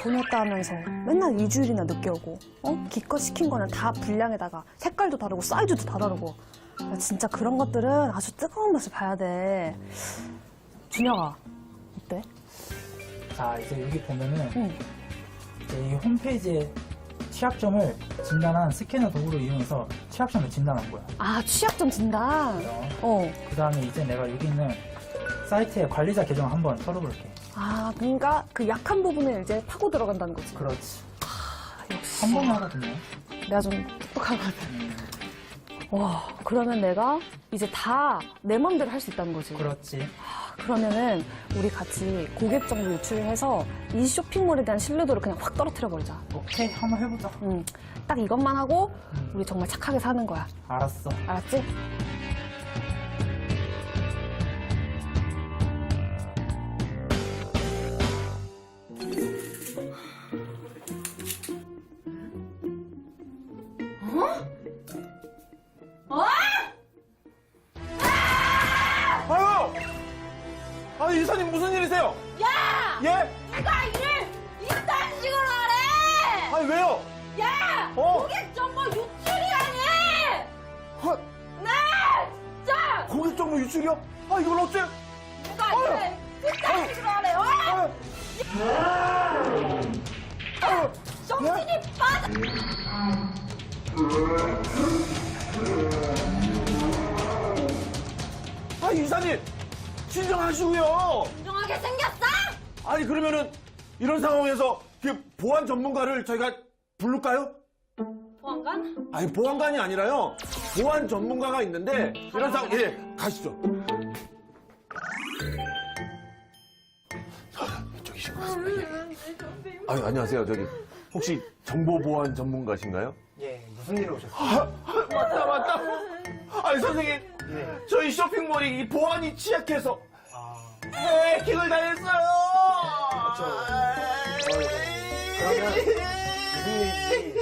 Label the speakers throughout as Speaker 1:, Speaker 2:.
Speaker 1: 보냈다 하면서 맨날 2주일이나 늦게 오고, 기껏 시킨 거는 다 분량에다가 색깔도 다르고 사이즈도 다 다르고. 나 진짜 그런 것들은 아주 뜨거운 맛을 봐야 돼. 준혁아, 어때?
Speaker 2: 자, 이제 여기 보면은
Speaker 1: 응.
Speaker 2: 이제 이 홈페이지에 취약점을 진단한 스캐너 도구를 이용해서 취약점을 진단한 거야.
Speaker 1: 아, 취약점 진단.
Speaker 2: 그 다음에 이제 내가 여기 있는 사이트의 관리자 계정을 한번 털어볼게.
Speaker 1: 아, 그러니까 그 약한 부분을 이제 파고 들어간다는 거지.
Speaker 2: 그렇지.
Speaker 1: 역시.
Speaker 2: 한 번에 하거든요.
Speaker 1: 내가 좀 똑똑하거든. 와, 그러면 내가 이제 다 내 맘대로 할 수 있다는 거지.
Speaker 2: 그렇지.
Speaker 1: 그러면은 우리 같이 고객 정보 유출을 해서 이 쇼핑몰에 대한 신뢰도를 그냥 확 떨어뜨려 버리자.
Speaker 2: 오케이, 한번 해보자.
Speaker 1: 딱 이것만 하고 우리 정말 착하게 사는 거야.
Speaker 2: 알았어.
Speaker 1: 알았지?
Speaker 3: 아유! 아니, 이사님 무슨 일이세요?
Speaker 4: 야!
Speaker 3: 예?
Speaker 4: 누가 일을 이딴 식으로 하래!
Speaker 3: 아니, 왜요?
Speaker 4: 야! 고객 정보 유출이 아니!
Speaker 3: 아,
Speaker 4: 네! 진짜!
Speaker 3: 고객 정보 유출이요? 아, 이걸 어째?
Speaker 4: 누가 일을 이딴 식으로 하래! 어? 정신이 빠져!
Speaker 3: 아, 이사님! 진정하시고요!
Speaker 4: 진정하게 생겼어?
Speaker 3: 아니, 그러면은, 이런 상황에서 그 보안 전문가를 저희가 부를까요?
Speaker 4: 보안관?
Speaker 3: 아니, 보안관이 아니라요. 보안 전문가가 있는데, 이런 상황, 예, 가시죠. 저기신 것 같습니다. 예. 아니, 안녕하세요. 저기, 혹시 정보보안 전문가신가요?
Speaker 2: 예, 무슨 일로 오셨어요?
Speaker 3: 맞다. 아니, 선생님. 저희 쇼핑몰이 이 보안이 취약해서 해킹을 당했어요.
Speaker 5: 그러면 무슨 일인지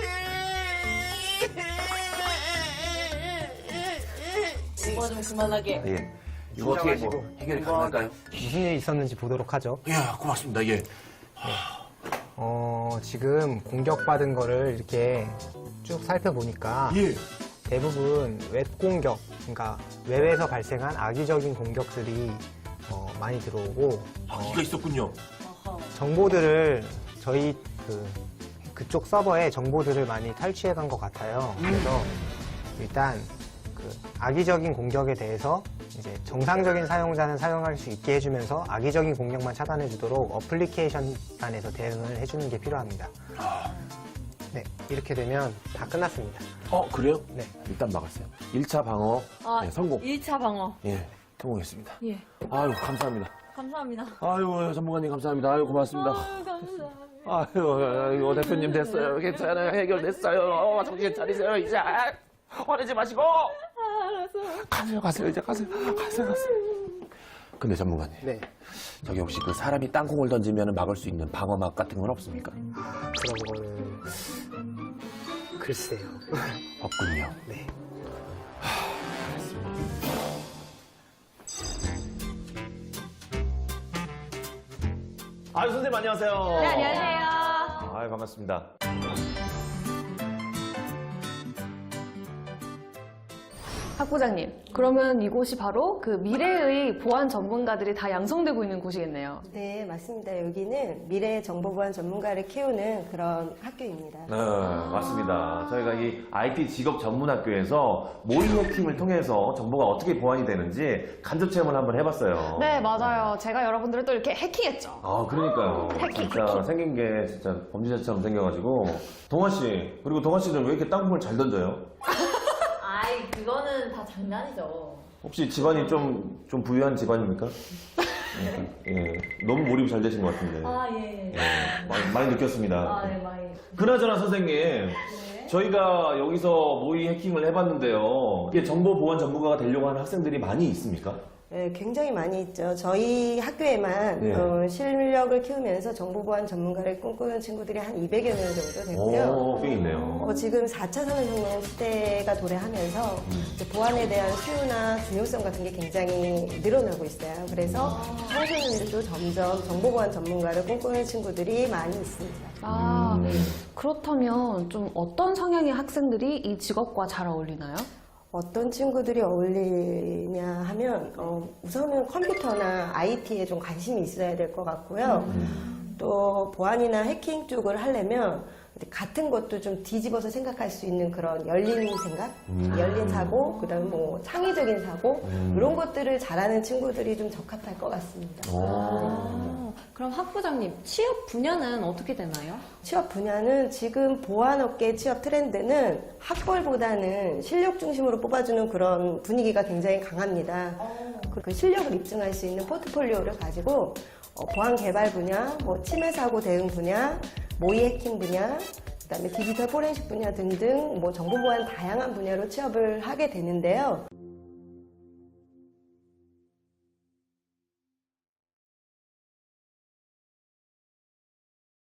Speaker 4: 이거 좀 그만하게.
Speaker 3: 예. 이거 어떻게 뭐 해결이 가능할까요?
Speaker 5: 무슨 일이 있었는지 보도록 하죠.
Speaker 3: 예, 고맙습니다. 예.
Speaker 5: 지금 공격받은 거를 이렇게 쭉 살펴보니까
Speaker 3: 예.
Speaker 5: 대부분 웹 공격, 그러니까 웹에서 발생한 악의적인 공격들이 많이 들어오고
Speaker 3: 이가 있었군요.
Speaker 5: 정보들을 저희 그쪽 서버에 정보들을 많이 탈취해 간 것 같아요. 그래서 일단 그 악의적인 공격에 대해서 이제 정상적인 사용자는 사용할 수 있게 해주면서 악의적인 공격만 차단해 주도록 어플리케이션 단에서 대응을 해주는 게 필요합니다. 네, 이렇게 되면 다 끝났습니다.
Speaker 3: 그래요?
Speaker 5: 네.
Speaker 3: 일단 막았어요. 1차 방어 네, 성공.
Speaker 4: 1차 방어.
Speaker 3: 예, 성공했습니다.
Speaker 4: 예.
Speaker 3: 아유, 감사합니다.
Speaker 4: 감사합니다.
Speaker 3: 아유, 전문가님 감사합니다. 아유, 고맙습니다.
Speaker 4: 감사합니다.
Speaker 3: 아유, 대표님 됐어요. 괜찮아요. 해결됐어요. 정신 차리세요, 이제. 화내지 마시고. 가세요, 이제 가세요. 근데 전문가님.
Speaker 5: 네.
Speaker 3: 저기 혹시 그 사람이 땅콩을 던지면 막을 수 있는 방어막 같은 건 없습니까?
Speaker 5: 그런 거는 글쎄요.
Speaker 3: 없군요.
Speaker 5: 네.
Speaker 6: 아유, 선생님 안녕하세요.
Speaker 4: 네, 안녕하세요.
Speaker 6: 아유, 반갑습니다.
Speaker 1: 박 부장님, 그러면 이곳이 바로 그 미래의 보안 전문가들이 다 양성되고 있는 곳이겠네요.
Speaker 7: 네, 맞습니다. 여기는 미래 정보보안 전문가를 키우는 그런 학교입니다.
Speaker 6: 네, 맞습니다. 저희가 이 IT 직업 전문 학교에서 모의 해킹을 통해서 정보가 어떻게 보안이 되는지 간접 체험을 한번 해봤어요.
Speaker 1: 네, 맞아요. 제가 여러분들을 또 이렇게 해킹했죠.
Speaker 6: 아, 그러니까요. 진짜 생긴 게 진짜 범죄자처럼 생겨가지고. 동아 씨, 그리고 동아 씨는 왜 이렇게 땅콩을 잘 던져요?
Speaker 4: 아이, 그거는 다 장난이죠.
Speaker 6: 혹시 집안이 좀 부유한 집안입니까? 예, 너무 몰입이 잘 되신 것 같은데.
Speaker 4: 아, 예.
Speaker 6: 많이 느꼈습니다.
Speaker 4: 아, 네, 많이.
Speaker 6: 그나저나 선생님, 저희가 여기서 모의 해킹을 해봤는데요. 이게 정보보안 전문가가 되려고 하는 학생들이 많이 있습니까?
Speaker 7: 네, 굉장히 많이 있죠. 저희 학교에만
Speaker 3: 네.
Speaker 7: 실력을 키우면서 정보보안 전문가를 꿈꾸는 친구들이 한 200여 명 정도 되고요.
Speaker 6: 오, 꽤 있네요.
Speaker 7: 지금 4차 산업혁명 시대가 도래하면서 이제 보안에 대한 수요나 중요성 같은 게 굉장히 늘어나고 있어요. 그래서 청소년들도 점점 정보보안 전문가를 꿈꾸는 친구들이 많이 있습니다.
Speaker 1: 아, 그렇다면 좀 어떤 성향의 학생들이 이 직업과 잘 어울리나요?
Speaker 7: 어떤 친구들이 어울리냐 하면 우선은 컴퓨터나 IT에 좀 관심이 있어야 될 것 같고요. 또 보안이나 해킹 쪽을 하려면 같은 것도 좀 뒤집어서 생각할 수 있는 그런 열린 생각, 열린 사고, 그다음에 뭐 창의적인 사고 이런 것들을 잘하는 친구들이 좀 적합할 것 같습니다.
Speaker 4: 그럼 학부장님, 취업 분야는 어떻게 되나요?
Speaker 7: 취업 분야는 지금 보안업계 취업 트렌드는 학벌보다는 실력 중심으로 뽑아주는 그런 분위기가 굉장히 강합니다. 그 실력을 입증할 수 있는 포트폴리오를 가지고 보안 개발 분야, 뭐 침해 사고 대응 분야, 모의 해킹 분야, 그다음에 디지털 포렌식 분야 등등 뭐 정보 보안 다양한 분야로 취업을 하게 되는데요.